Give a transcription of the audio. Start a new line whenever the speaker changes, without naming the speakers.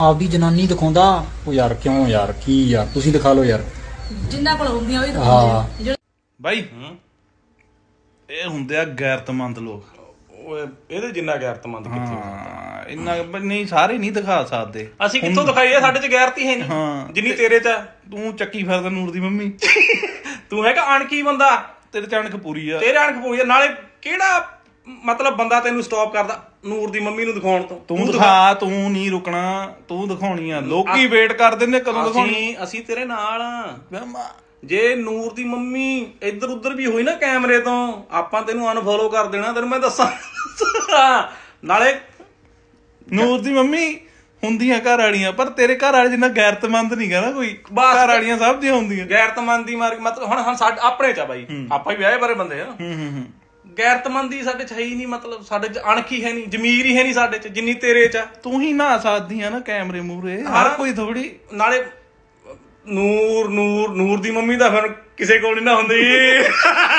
ਆਪਦੀ ਜਨਾਨੀ ਦਿਖਾਉਂਦਾ। ਉਹ ਯਾਰ ਕਿਉਂ ਯਾਰ, ਕੀ ਯਾਰ ਤੁਸੀਂ ਦਿਖਾ ਲਓ ਯਾਰ।
ਜਿੰਨਾ ਕੋਲ ਹੁੰਦੀਆਂ ਉਹੀ
ਹਾਂ
ਦਿਖਾਉਂਦੇ ਆ।
ਬਾਈ ਇਹ ਹੁੰਦੇ ਆ ਗੈਰਤਮੰਦ ਲੋਕ।
ਓਏ ਇਹਦੇ ਜਿੰਨਾ ਗੈਰਤਮੰਦ ਕਿੱਥੇ ਹੋ?
ਹਾਂ ਇੰਨਾ ਨਹੀਂ, ਸਾਰੇ ਨਹੀਂ ਦਿਖਾ ਸਕਦੇ।
ਅਸੀਂ ਕਿੱਥੋਂ ਦਿਖਾਈਏ? ਸਾਡੇ ਚ ਗੈਰਤ ਹੀ ਹੈ ਨਹੀਂ
ਹਾਂ
ਜਿੰਨੀ ਤੇਰੇ ਚ ਆ।
ਤੂੰ ਚੱਕੀ ਫਿਰਦਾ ਨੂਰ ਦੀ ਮੰਮੀ।
ਤੂੰ ਹੈਗਾ ਅਣਖੀ ਬੰਦਾ,
ਤੇਰੇ ਚਣਕ ਪੂਰੀ ਆ।
ਤੇਰੇ ਅਣਖ ਪੂਰੀ ਆ। ਨਾਲੇ ਕਿਹੜਾ ਮਤਲਬ ਬੰਦਾ ਤੈਨੂੰ ਸਟਾਪ ਕਰਦਾ ਨੂਰ ਦੀ ਮੰਮੀ ਨੂੰ ਦਿਖਾਉਣ ਤੋਂ?
ਤੂੰ ਦਿਖਾ, ਤੂੰ ਨਹੀਂ ਰੁਕਣਾ, ਤੂੰ ਦਿਖਾਉਣੀ ਆ। ਲੋਕੀ ਵੇਟ ਕਰ ਦਿੰਦੇ ਕਦੋਂ ਦਿਖਾਉਣੀ।
ਅਸੀਂ ਤੇਰੇ ਨਾਲ ਆ। ਜੇ ਨੂਰ ਦੀ ਮੰਮੀ ਇੱਧਰ ਉੱਧਰ ਵੀ ਹੋਈ ਨਾ ਕੈਮਰੇ ਤੋਂ, ਆਪਾਂ ਤੈਨੂੰ ਅਨਫੋਲੋ ਕਰ ਦੇਣਾ, ਤੈਨੂੰ ਮੈਂ ਦੱਸਾਂ। ਨਾਲੇ
ਨੂਰ ਦੀ ਮੰਮੀ ਹੁੰਦੀਆਂ ਘਰ ਵਾਲੀਆਂ, ਪਰ ਤੇਰੇ ਘਰ ਵਾਲੇ ਜਿੰਨਾ ਗੈਰਤਮੰਦ ਨਹੀਂ ਗਾ ਨਾ ਕੋਈ।
ਬਸ।
ਘਰ ਵਾਲੀਆਂ ਸਭ ਦੀਆਂ ਹੁੰਦੀਆਂ।
ਗੈਰਤਮੰਦੀ ਮਾਰ ਮਤਲਬ ਹੁਣ ਸਾਡੇ ਆਪਣੇ ਚ ਆ ਬਾਈ, ਆਪਾਂ ਹੀ ਵਿਆਹੇ ਬਾਰੇ ਬੰਦੇ ਆ। ਗੈਰਤਮੰਦੀ ਸਾਡੇ ਚ ਹੈ ਹੀ ਨਹੀਂ, ਮਤਲਬ ਸਾਡੇ ਚ ਅਣਖ ਹੀ ਹੈ ਨਹੀਂ, ਜ਼ਮੀਰ ਹੀ ਹੈ ਨਹੀਂ ਸਾਡੇ ਚ ਜਿੰਨੀ ਤੇਰੇ ਚ ਆ।
ਤੂੰ ਹੀ ਨਹਾ ਸਕਦੀ ਆ ਨਾ ਕੈਮਰੇ ਮੂਹਰੇ, ਹਰ ਕੋਈ ਥੋੜੀ।
ਨਾਲੇ ਨੂਰ ਦੀ ਮੰਮੀ ਦਾ ਫਿਰ ਕਿਸੇ ਕੋਲ ਨਹੀਂ ਨਾ ਹੁੰਦੀ।